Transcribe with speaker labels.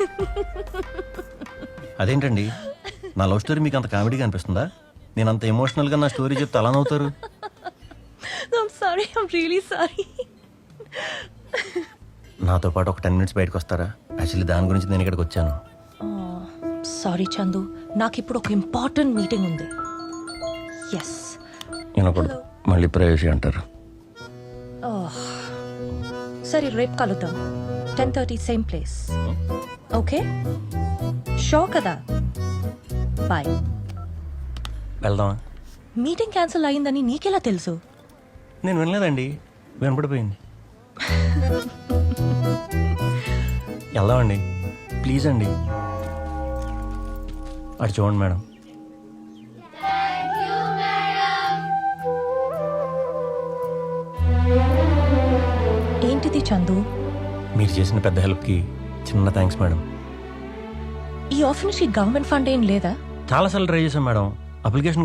Speaker 1: అదేంటండి, నా love story మీకు అంత కామెడీగా అనిపిస్తుందా? నేను అంత ఎమోషనల్గా నా స్టోరీ చెప్తే అలా నవ్వుతారు.
Speaker 2: I'm sorry, I'm really sorry.
Speaker 1: నాతో పాటు ఒక 10 minutes బయటకు వస్తారా? యాక్చువల్లీ దాని గురించి నేను ఇక్కడికి వచ్చాను.
Speaker 2: సారీ చందు, నాకు ఇప్పుడు ఒక ఇంపార్టెంట్ మీటింగ్ ఉంది. ఎస్.
Speaker 1: వినకూడదు, మళ్ళీ ప్రైవసీ అంటారు.
Speaker 2: సరే, రేపు కలుద్దాం. 10:30 సేమ్ ప్లేస్. ఓకే, షో కదా. బాయ్.
Speaker 1: వెళ్దామా?
Speaker 2: మీటింగ్ క్యాన్సిల్ అయిందని నీకెలా తెలుసు?
Speaker 1: నేను వినలేదండి, వినపడిపోయింది. వెళ్దామండి, ప్లీజ్ అండి. అటు చూడండి మేడం.
Speaker 2: ఏంటిది చందు?
Speaker 1: మీరు చేసిన పెద్ద హెల్ప్కి చిన్న థ్యాంక్స్ మేడం.
Speaker 2: ఈ ఆఫర్ నుంచి గవర్నమెంట్ ఫండ్ ఏం లేదా?
Speaker 1: చాలాసార్లు ట్రై చేశాం మేడం, అప్లికేషన్